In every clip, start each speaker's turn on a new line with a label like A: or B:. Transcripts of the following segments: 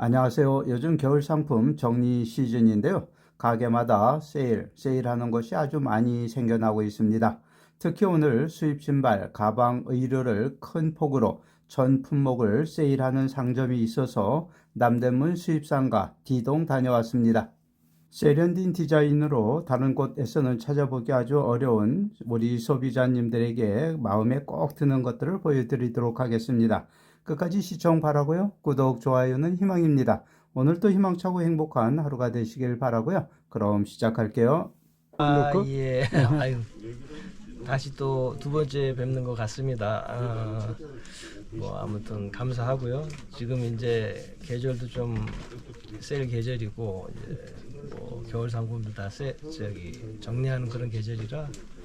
A: 안녕하세요. 요즘 겨울 상품 정리 시즌인데요. 가게마다 세일하는 것이 아주 많이 생겨나고 있습니다. 특히 오늘 수입 신발, 가방, 의류를 큰 폭으로 전 품목을 세일하는 상점이 있어서 남대문 수입상가 D동 다녀왔습니다. 세련된 디자인으로 다른 곳에서는 찾아보기 아주 어려운 우리 소비자님들에게 마음에 꼭 드는 것들을 보여드리도록 하겠습니다. 끝까지 시청 바라고요. 구독, 좋아요는 희망입니다. 오늘도 희망차고 행복한 하루가 되시길 바라고요. 그럼 시작할게요.
B: 예. 아유, 다시 또 두 번째 뵙는 것 같습니다. 뭐 아무튼 감사하고요. 지금 이제 계절도 좀 세일 계절이고 이제 뭐 겨울 상품도 다 정리하는 그런 계절이라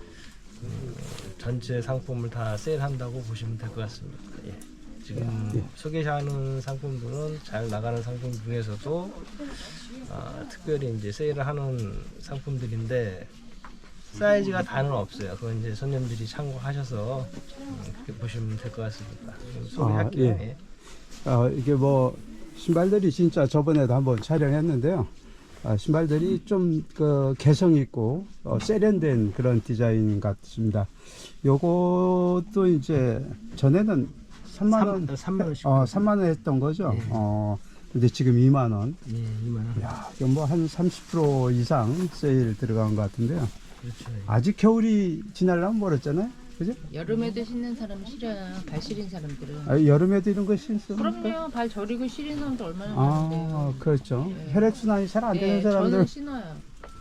B: 전체 상품을 다 세일한다고 보시면 될 것 같습니다. 예. 지금 소개하는 상품들은 잘 나가는 상품 중에서도 특별히 이제 세일을 하는 상품들인데 사이즈가 다는 없어요. 그건 이제 손님들이 참고하셔서 그렇게 보시면 될 것 같습니다. 소개할게요.
A: 예. 이게 뭐 신발들이 진짜 저번에도 한번 촬영했는데요. 신발들이 좀 개성 있고 세련된 그런 디자인 같습니다. 요것도 이제 전에는 3만 원,
B: 3만 원씩.
A: 3만 원 했던 거죠.
B: 예.
A: 근데 지금 2만 원.
B: 예, 2만 원.
A: 야, 뭐 한 30% 이상 세일 들어간 것 같은데요.
B: 그렇죠.
A: 아직 겨울이 지나려면 멀었잖아요. 그죠?
C: 여름에도 신는 사람은 싫어요. 발 시린 사람들은.
A: 여름에도 이런 거 신습니까?
C: 그럼요. 발 저리고 시린 사람도 얼마나 많은데요.
A: 그렇죠.
C: 네.
A: 혈액순환이 잘 안 되는
C: 네,
A: 사람들.
C: 저는 신어요.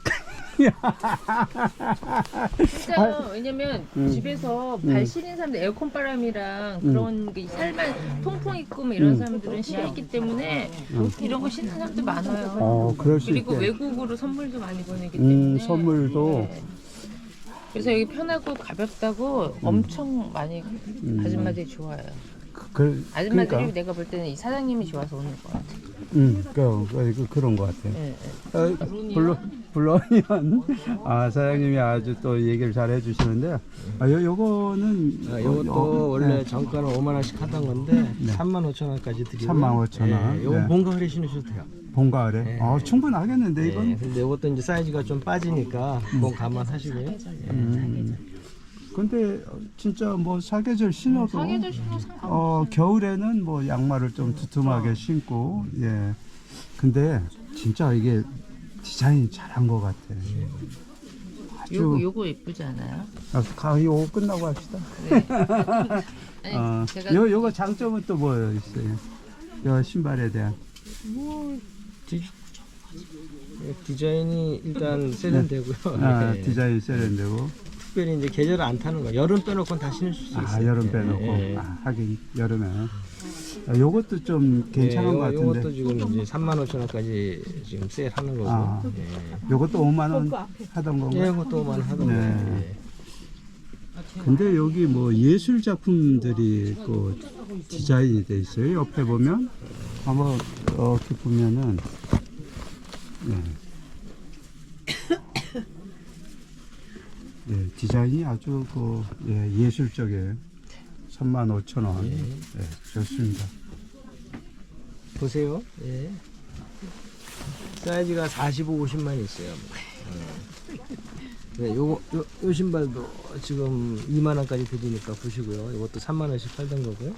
C: 진짜요. 왜냐면 집에서 발 시린 사람들 에어컨 바람이랑 그런 게 살만 통풍 있고 뭐 이런 사람들은 싫어했기 때문에 이런 거 신는 사람도 많아요.
A: 그럴 수
C: 그리고
A: 있게.
C: 외국으로 선물도 많이 보내기 때문에.
A: 선물도.
C: 네. 그래서 여기 편하고 가볍다고 엄청 많이 아줌마들이 좋아해요. 아줌마들이
A: 그러니까.
C: 내가 볼 때는 이 사장님이 좋아서 오는 것 같아.
A: 그런 것 같아요.
C: 네,
A: 물론이면 사장님이 아주 또 얘기를 잘 해주시는데요. 요거는
B: 이것도 원래 정가는 5만 원씩 하던 건데
A: 네.
B: 3만 5천 원까지 드리고
A: 3만 5천 원.
B: 예, 요거
A: 네.
B: 봄 가을에 신으셔도 돼요.
A: 봄 가을에.
B: 네.
A: 충분하겠는데 이건.
B: 예, 근데 이것도 이제 사이즈가 좀 빠지니까 그건 감안하시고요. 예.
A: 근데 진짜 뭐 사계절 신어도
C: 사계절 신고 상관.
A: 겨울에는 뭐 양말을 좀 두툼하게 신고 근데 진짜 이게 디자인이 잘한 것 같아. 아주
C: 요거 예쁘지 않아요?
A: 요거 끝나고 합시다.
C: 네. 아니, 제가
A: 요거 장점은 또 뭐 있어요? 요 신발에 대한.
B: 뭐 디자인이 일단 세련되고요. 예.
A: 디자인 세련되고.
B: 특별히 이제 계절을 안 타는 거. 여름 빼놓고는 다 신을 수 있어요.
A: 여름 빼놓고.
B: 예.
A: 하긴 여름에. 요것도 좀 괜찮은 것 같은데.
B: 요것도 지금 이제 3만 5천 원까지 지금 세일하는 거고. 예.
A: 요것도 5만 원 하던 건가요?
B: 예, 이것도 5만 원 하던
A: 네.
B: 거예요. 예.
A: 근데 여기 뭐 예술 작품들이 디자인이 돼 있어요. 옆에 보면 한번 이렇게 보면은 디자인이 아주 예술적이에요. 35,000원. 좋습니다.
B: 보세요. 예. 사이즈가 45, 50만 있어요. 네, 요 신발도 지금 2만 원까지 드리니까 보시고요. 이것도 3만 원씩 팔던 거고요.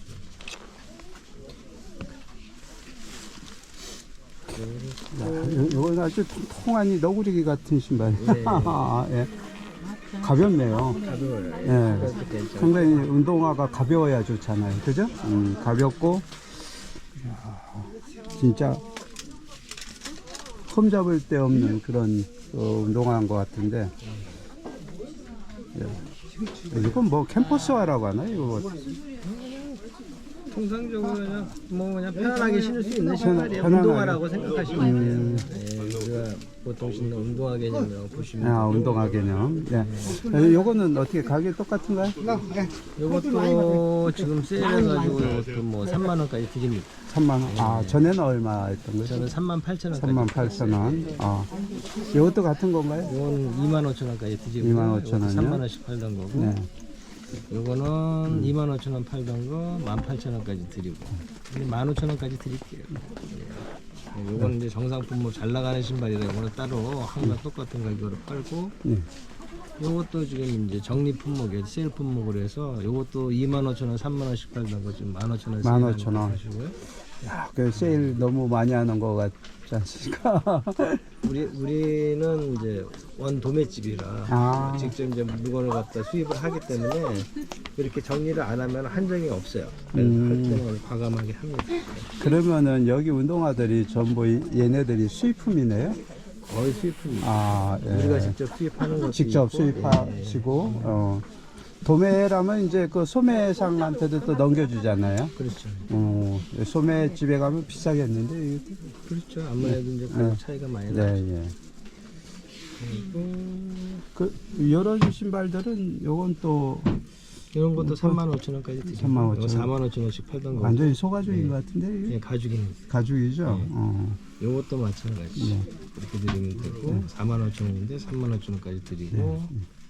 A: 이건 아주 통통하니 너구리 같은 신발이에요. 예. 가볍네요.
B: 가벼워요.
A: 예. 상당히 운동화가 가벼워야 좋잖아요. 그죠? 가볍고 진짜 흠 잡을 데 없는 그런 운동화인 것 같은데 이건 뭐 캠퍼스화라고 하나요? 이거
B: 통상적으로 그냥 편안하게 신을 수 있는 신발이에요.
A: 편안하게.
B: 운동화라고 생각하시면 돼요. 예, 우리가 보통 신는 운동화 개념이라고 보시면 돼요.
A: 운동화 개념. 요거는 어떻게 가격 똑같은가요?
B: 이것도 지금 세일해가지고 이것도 뭐 3만 원까지 드립니다.
A: 3만 원. 전에는 얼마 했던 거죠?
B: 저는 3만 8천 원까지.
A: 38,000원. 이것도 같은 건가요?
B: 이건 2만 5천 원까지 드리고
A: 25,000 원이요?
B: 3만 원씩 팔던 거고.
A: 네.
B: 요거는 25,000원 팔던 거 18,000원까지 드리고, 근데 15,000원까지 드릴게요. 예. 요거는 이제 정상품 뭐 잘 나가는 신발이라 요거는 따로 항상 똑같은 가격으로 팔고,
A: 네.
B: 요것도 지금 이제 정리 품목이에요. 세일 품목으로 해서 요것도 25,000원, 3만원씩 팔던 거 지금 15,000원
A: 15,000원.
B: 하시고요.
A: 야, 그 세일 너무 많이 하는 거 같지 않습니까?
B: 우리는 이제 원 도매집이라
A: 아.
B: 직접 이제 물건을 갖다 수입을 하기 때문에 이렇게 정리를 안 하면 한정이 없어요. 그래서 할 때는 과감하게 합니다.
A: 그러면은 여기 운동화들이 전부 얘네들이 수입품이네요?
B: 거의 수입품입니다.
A: 아, 예.
B: 우리가 직접 수입하는 것도
A: 직접
B: 있고,
A: 수입하시고, 도매라면 이제 그 소매상한테도 또 넘겨주잖아요.
B: 그렇죠.
A: 소매 집에 가면 비싸겠는데, 이게.
B: 그렇죠. 아무래도 이제 가격 차이가 많이 나죠.
A: 네, 예.
B: 그리고
A: 그, 이런 신발들은 요건 또
B: 이런 것도 35,000원까지 드리고
A: 35,000원.
B: 45,000원씩 팔던 거.
A: 완전히 소가죽인 것 같은데, 이게?
B: 예, 가죽입니다.
A: 가죽이죠?
B: 네. 요것도 마찬가지.
A: 네.
B: 이렇게 드리면 되고 45,000원인데 35,000원까지 드리고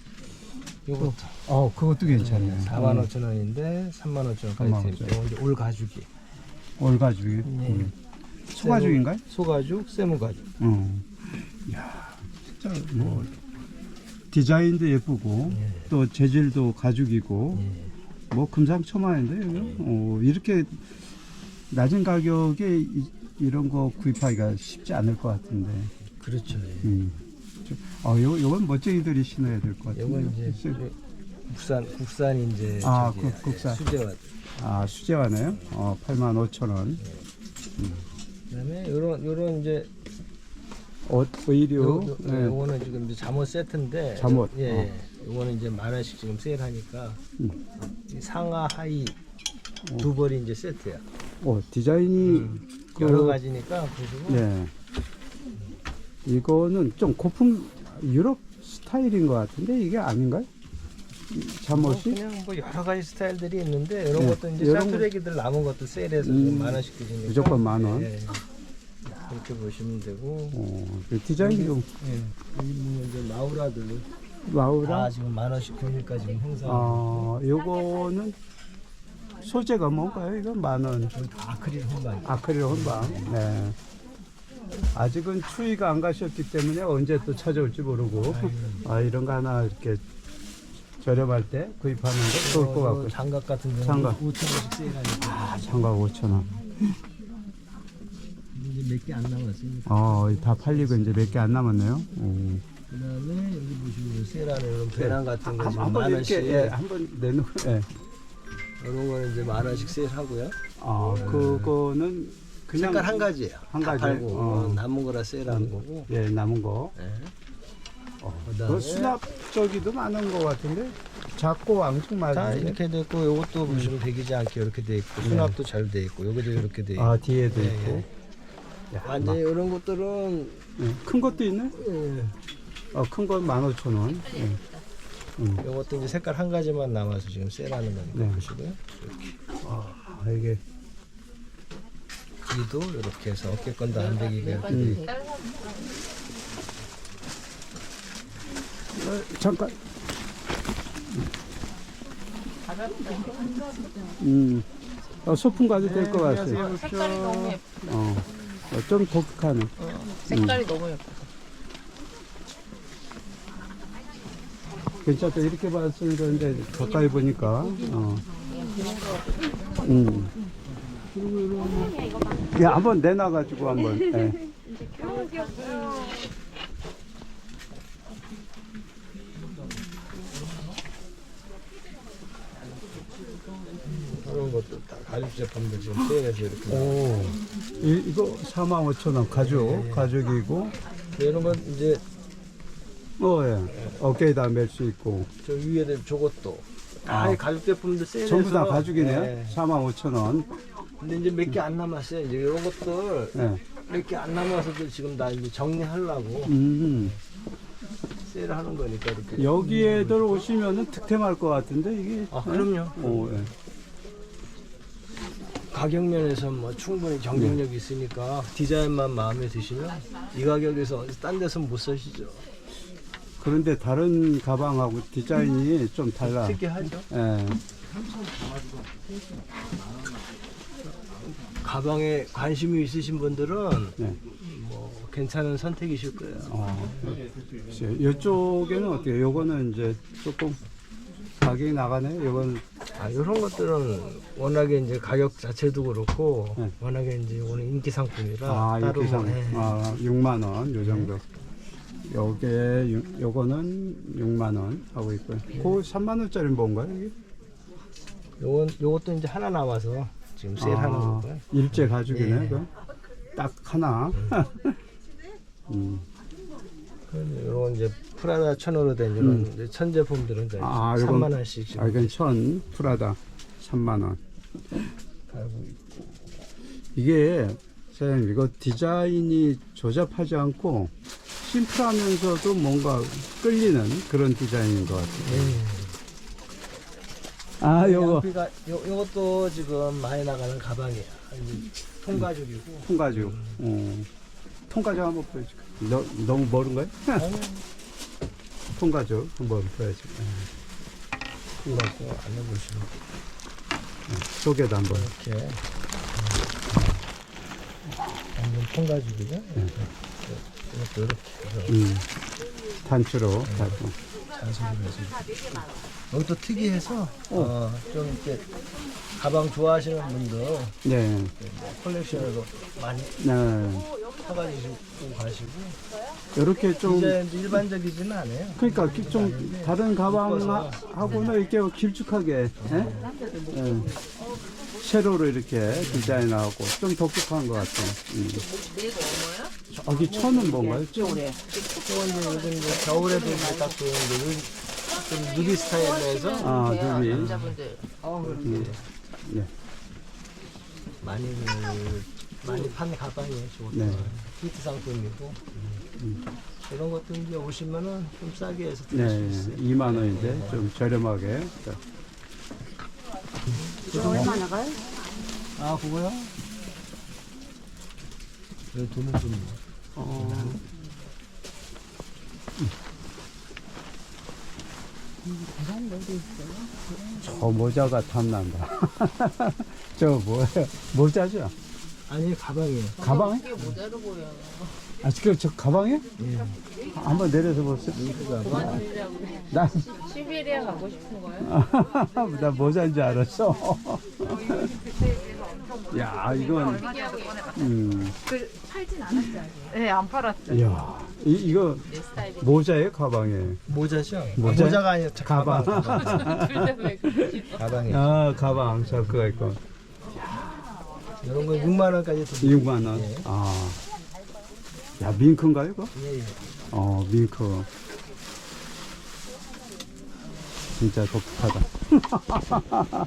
B: 요것도
A: 그것도 괜찮네요.
B: 45,000원인데 35,000원까지 드리고
A: 35,000원.
B: 이제 올 가죽이.
A: 올가죽이.
B: 네.
A: 소가죽인가요?
B: 소가죽, 세무가죽.
A: 이야, 진짜 뭐 디자인도 예쁘고
B: 예.
A: 또 재질도 가죽이고
B: 예.
A: 뭐 금상첨화인데 이거? 이렇게 낮은 가격에 이런 거 구입하기가 쉽지 않을 것 같은데.
B: 그렇죠. 예.
A: 요건 멋쟁이들이 신어야 될 것 같은데.
B: 요건 이제 국산 이제
A: 아,
B: 저기
A: 국산.
B: 수제화.
A: 수제화네요. 85,000원.
B: 그다음에 요런 이제
A: 옷 의류. 네.
B: 요거는 지금 이제 잠옷 세트인데
A: 잠옷.
B: 예. 요거는 이제 10,000원씩 지금 세일하니까 이 상하 하의 두 벌이 이제 세트야.
A: 디자인이
B: 여러 가지니까 보시고
A: 예. 이거는 좀 고풍 유럽 스타일인 것 같은데 이게 아닌가요? 잠옷이?
B: 그냥 뭐 여러 가지 스타일들이 있는데 이런
A: 네.
B: 것도 이제
A: 이런
B: 샤투레기들 남은 것도 세일해서 지금 10,000원씩 드시니까
A: 무조건 10,000원.
B: 예. 그렇게 보시면 되고
A: 그 디자인이 좀
B: 예. 여기 보면 이제 마우라들
A: 마우라.
B: 지금 10,000원씩 금일까 지금 행사.
A: 요거는 소재가 뭔가요? 이건 10,000원.
B: 다 아크릴 혼방.
A: 아크릴 혼방. 네. 아직은 추위가 안 가셨기 때문에 언제 또 찾아올지 모르고 이런 거 하나 이렇게 저렴할 때 구입하는 거 좋을 것 같고.
B: 장갑 같은 경우는
A: 장갑.
B: 5,000원씩 세일하니까
A: 장갑 5,000원.
B: 이제 몇 개 안 남았으니까.
A: 다 팔리고 이제 몇 개 안 남았네요.
B: 그다음에 여기 보시면 세일하는 이런 배낭 같은 거 지금
A: 한번
B: 10,000원씩.
A: 이렇게 한번 내놓고.
B: 이런 거는 이제 10,000원씩 세일하고요.
A: 그거는 그냥
B: 색깔 한 가지예요.
A: 한
B: 다
A: 가지.
B: 팔고 남은 거라 세일하는 거고.
A: 예, 남은 거.
B: 네.
A: 그
B: 그다음에
A: 수납 저기도 많은 것 같은데 작고 앙증
B: 다
A: 맞은데.
B: 이렇게 돼 있고 요것도 보시면 배기지 않게 이렇게 돼 있고 수납도 잘 돼 있고 요것도 이렇게 돼 있고.
A: 뒤에도
B: 예,
A: 있고. 야,
B: 완전히 이런 것들은
A: 큰 것도 있네. 큰 건 15,000원.
B: 요것도 이제 색깔 한 가지만 남아서 지금 세일하는 거니까
A: 네.
B: 보시고요. 이렇게
A: 이게
B: 뒤도 이렇게 해서 어깨건 다 안배기가 이렇게 돼 있고.
A: 잠깐. 소풍 가도 될 것 같아요.
C: 색깔이 너무 예뻐.
A: 좀 독특하네.
C: 색깔이 너무 예뻐.
A: 괜찮다. 이렇게 봤을 건데 가까이 보니까. 야, 한번 내놔가지고 한번. 예.
B: 이런 것도 다 가죽 제품들 지금 세일해서 이렇게.
A: 이거 45,000원 가죽이고.
B: 이런 건 이제
A: 예. 어깨에다 멜 수 있고.
B: 저 위에는 저것도 다 가죽 제품들 세일해서
A: 전부 다 가죽이네요.
B: 네.
A: 45,000원.
B: 근데 이제 몇 개 안 남았어요. 이제 이런 것들
A: 예.
B: 몇 개 안 남아서도 지금 다 이제 정리하려고 세일하는 거니까 이렇게.
A: 여기에들 오시면은 득템할 것 같은데 이게.
B: 그럼요.
A: 예.
B: 가격 면에서 뭐 충분히 경쟁력이 있으니까 디자인만 마음에 드시면 이 가격에서 딴 데서 못 사시죠.
A: 그런데 다른 가방하고 디자인이 좀 달라.
B: 특이하죠.
A: 예.
B: 가방에 관심이 있으신 분들은
A: 네.
B: 뭐 괜찮은 선택이실 거예요.
A: 글쎄요. 이쪽에는 어때요? 요거는 이제 조금 가격이 나가네. 요거는
B: 이런 것들은 워낙에 이제 가격 자체도 그렇고
A: 네.
B: 워낙에 이제 오늘 인기 상품이라 따로
A: 이렇게
B: 뭐, 예.
A: 6만 원, 요 정도. 요거는 6만 원 하고 있고요. 그 3만 원짜리는 뭔가요, 이게?
B: 요것도 이제 하나 남아서 지금 세일하는 거고요.
A: 일제 가죽이네,
B: 예.
A: 그거. 딱 하나.
B: 이런 이제 프라다 천으로 된 이런 이제 천 제품들은 이제
A: 요건-
B: 3만 원씩 지금
A: 이건 천 프라다 3만 원.
B: 팔고 있고.
A: 이게 사장님 이거 디자인이 조잡하지 않고 심플하면서도 뭔가 끌리는 그런 디자인인 것 같아요. 요거
B: 양피가 요것도 지금 많이 나가는 가방이에요. 이제 통가죽이고.
A: 통가죽. 통가죽 한번 보여줄까? 너무 멀은가요? 통가죽 한번 보여줄까?
B: 통가죽 안 해보시면
A: 속에도 한번.
B: 이렇게 완전 통가죽이죠. 이것도 이렇게 해서
A: 단추로 달고.
B: 잔소리를 해서 여기도 특이해서 좀 이렇게 가방 좋아하시는 분들
A: 네.
B: 컬렉션으로 많이
A: 네.
B: 사가지고 가시고
A: 이렇게 좀
B: 디자인도 일반적이지는 않아요.
A: 그러니까 좀 다른 가방하고는 이렇게 길쭉하게 예? 세로로 이렇게 디자인하고 좀 독특한 것 같아요. 저기 천은 뭔가요?
B: 이건 이제 요즘 이제 겨울에도 이제 딱 좋은 좀 누비 스타일로 해서
A: 누비.
C: 남자분들.
A: 네.
B: 많이 판 가방이에요. 저것도
A: 네.
B: 히트 상품이고 이런 것도 이제 오시면은 좀 싸게 해서 드실 수
A: 네.
B: 있어요.
A: 2만 원인데 좀 저렴하게.
C: 얼마 나가요?
B: 그거요? 여기 돈은 좀
A: 저 모자가 탐난다. 저 뭐예요? 모자죠?
B: 아니 가방이에요.
A: 가방에?
C: 이게 모자로 보여.
A: 지금 저 가방에?
B: 예.
A: 한번 내려서 보세요.
C: 그만두려고 그래.
A: 난,
C: 시베리아 가고 싶은 거예요?
A: 나 모자인 줄 알았어. 야, 이건,
C: 팔진 않았지 아직.
D: 네, 안 팔았죠.
A: 이야, 이거
C: 내 스타일이.
A: 모자예요, 가방에?
B: 모자죠?
A: 모자?
B: 모자가 아니라 가방.
C: 둘다왜 그러지?
B: 가방이에요.
A: 가방, 저거 있고.
B: 이런 거 6만 원까지 더
A: 6만 원.
B: 예.
A: 야, 밍크인가요, 이거?
B: 예.
A: 밍크. 진짜 독특하다.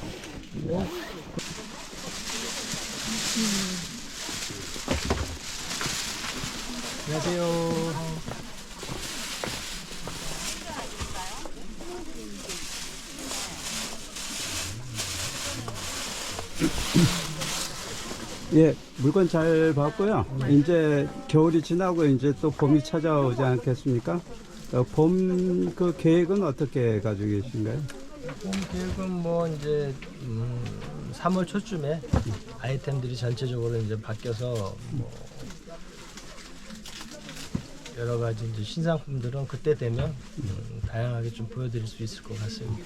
B: 안녕하세요.
A: 예, 물건 잘 봤고요. 이제 겨울이 지나고 이제 또 봄이 찾아오지 않겠습니까? 봄 그 계획은 어떻게 가지고 계신가요?
B: 봄 계획은 뭐 이제 3월 초쯤에 아이템들이 전체적으로 이제 바뀌어서 뭐 여러 가지 이제 신상품들은 그때 되면 다양하게 좀 보여드릴 수 있을 것 같습니다.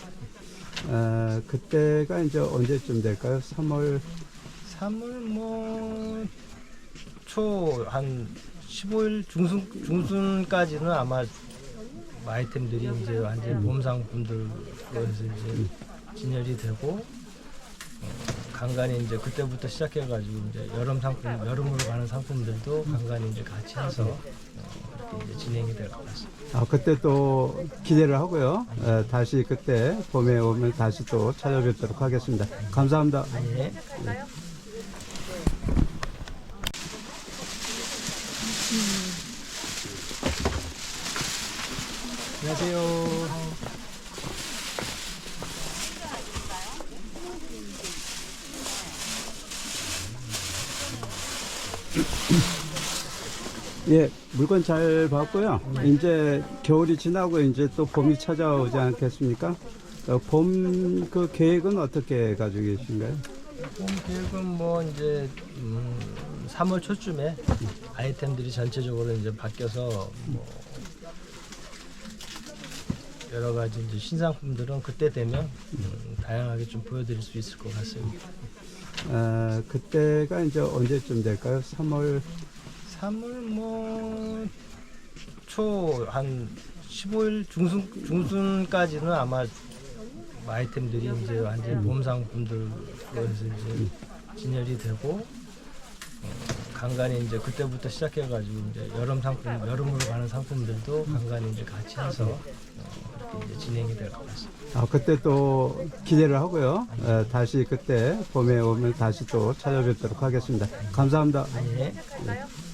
A: 그때가 이제 언제쯤 될까요? 3월
B: 3월 초 한 15일 중순까지는 아마 아이템들이 이제 완전 봄 상품들로 해서 이제 진열이 되고 간간히 이제 그때부터 시작해가지고 이제 여름으로 가는 상품들도 간간히 이제 같이 해서 그렇게 이제 진행이 될 것 같습니다.
A: 그때 또 기대를 하고요. 다시 그때 봄에 오면 다시 또 찾아뵙도록 하겠습니다. 감사합니다.
B: 예. 안녕하세요.
A: 예, 물건 잘 봤고요. 이제 겨울이 지나고 이제 또 봄이 찾아오지 않겠습니까? 봄 그 계획은 어떻게 가지고 계신가요?
B: 봄 계획은 뭐 이제 3월 초쯤에 아이템들이 전체적으로 이제 바뀌어서 뭐 여러 가지 이제 신상품들은 그때 되면 다양하게 좀 보여드릴 수 있을 것 같습니다.
A: 그때가 이제 언제쯤 될까요? 3월
B: 3월 초 한 15일 중순까지는 아마 아이템들이 이제 완전 봄 상품들로 해서 이제 진열이 되고 간간히 이제 그때부터 시작해가지고 이제 여름으로 가는 상품들도 간간히 이제 같이 해서 이렇게 이제 진행이 될 것 같습니다.
A: 그때 또 기대를 하고요. 다시 그때 봄에 오면 다시 또 찾아뵙도록 하겠습니다. 감사합니다.
B: 예.